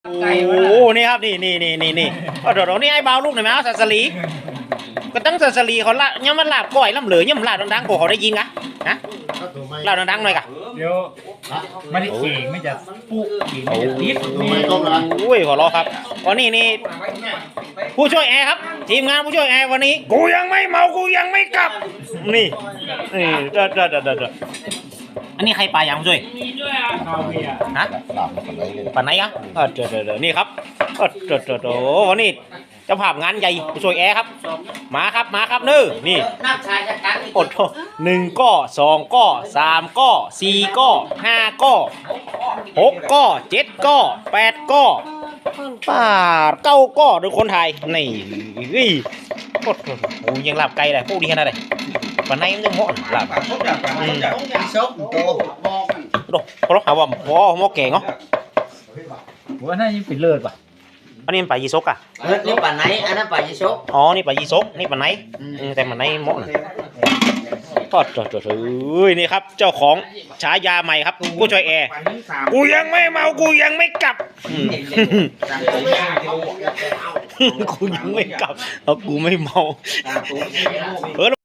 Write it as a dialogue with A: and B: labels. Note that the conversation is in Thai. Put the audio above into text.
A: โอ้นี่ครับนี่เดี๋ยวนี่ไอ้เบาลูกหน่อยไหมเอาสัสลีก็ตั้งสัสลีเขาละเนี่ยมันลาบก้อยลำเหลือเนี่ยมันลาบดังๆเขาได้ยินกะฮะลาบดังๆหน่อยกะ
B: เดี๋ยวมันเข่งไม่จะปุ๊เข่งไม่จะติด
A: โอ้ยขอรอครับวันนี้นี่ผู้ช่วยแอร์ครับทีมงานผู้ช่วยแอร์วันนี้กูยังไม่เมากูยังไม่กลับนี่เด้ออันนี้ใครปลาอย่างผู้ช่วยฮะปลาไหนอ่ะเดี๋ยวนี่ครับวันนี้เจ้าภาพงานใหญ่ผู้ช่วยแอร์ครับมาครับนี่อด1ก้อ2ก้อ3ก้อ4ก้อ5ก้อ6ก้อ7ก้อ8ก้อป้า9ก้อโดยคนไทยนี่โอ้ยังหลับไกลเลยพวกดีขนาดไหนปลาไหนมันจะเหมาะหลับดูเขาหาว่าหม้อแกงเหรอ
B: ว่าน่าจะเป็นเลิศป่ะ
A: อันนี้มันปลายีซกอ่ะ
C: นี่ปลาไหนอันนั้นปลายีซก
A: อ๋อนี่ปลายีซกนี่ปลาไหนแต่ปลาไหนเหมาะนะก็นี่ครับเจ้าของฉายาใหม่ครับผู้ช่วยแอร์กูยังไม่เมากูยังไม่กลับกูยังไม่กลับเพราะกูไม่เมา